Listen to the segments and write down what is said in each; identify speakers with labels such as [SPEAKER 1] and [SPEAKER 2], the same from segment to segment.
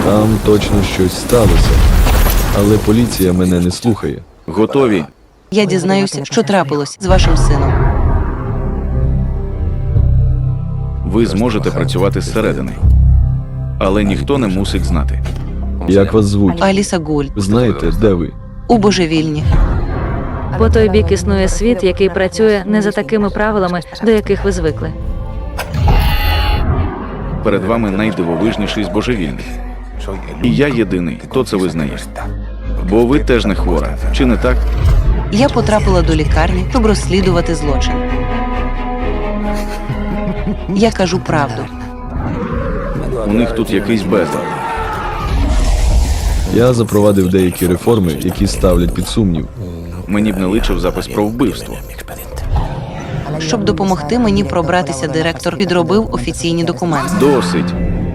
[SPEAKER 1] Там точно щось сталося. Але поліція мене не слухає.
[SPEAKER 2] Готові?
[SPEAKER 3] Я дізнаюся, що трапилось з вашим сином.
[SPEAKER 2] Ви зможете працювати зсередини. Але ніхто не мусить знати.
[SPEAKER 1] Як вас звуть?
[SPEAKER 3] Аліса Гуль.
[SPEAKER 1] Ви знаєте, де ви?
[SPEAKER 3] У божевільні.
[SPEAKER 4] По той бік існує світ, який працює не за такими правилами, до яких ви звикли.
[SPEAKER 2] Перед вами найдивовижніший з божевільних. І я єдиний, хто це визнає. Бо ви теж не хвора, чи не так?
[SPEAKER 3] Я потрапила до лікарні, щоб розслідувати злочин. Я кажу правду.
[SPEAKER 2] У них тут якийсь безлад.
[SPEAKER 1] Я запровадив деякі реформи, які ставлять під сумнів.
[SPEAKER 2] Мені б не личив запис про вбивство.
[SPEAKER 3] Щоб допомогти мені пробратися, директор підробив офіційні документи.
[SPEAKER 2] Досить.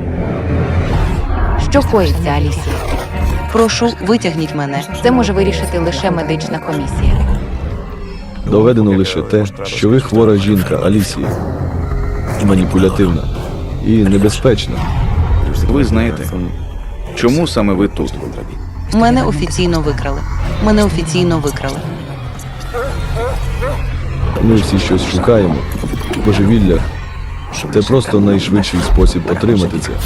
[SPEAKER 5] Що коїться, Алісія?
[SPEAKER 3] Прошу, витягніть мене.
[SPEAKER 5] Це може вирішити лише медична комісія.
[SPEAKER 1] Доведено лише те, що ви хвора жінка, Алісія. Маніпулятивна і небезпечна.
[SPEAKER 2] Ви знаєте, чому саме ви тут?
[SPEAKER 3] Мене офіційно викрали. Мене офіційно викрали.
[SPEAKER 1] Ми всі щось шукаємо. Божевілля – це просто найшвидший спосіб отримати це.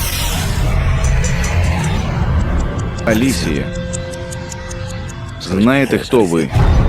[SPEAKER 2] Алісія. Знаєте, хто ви?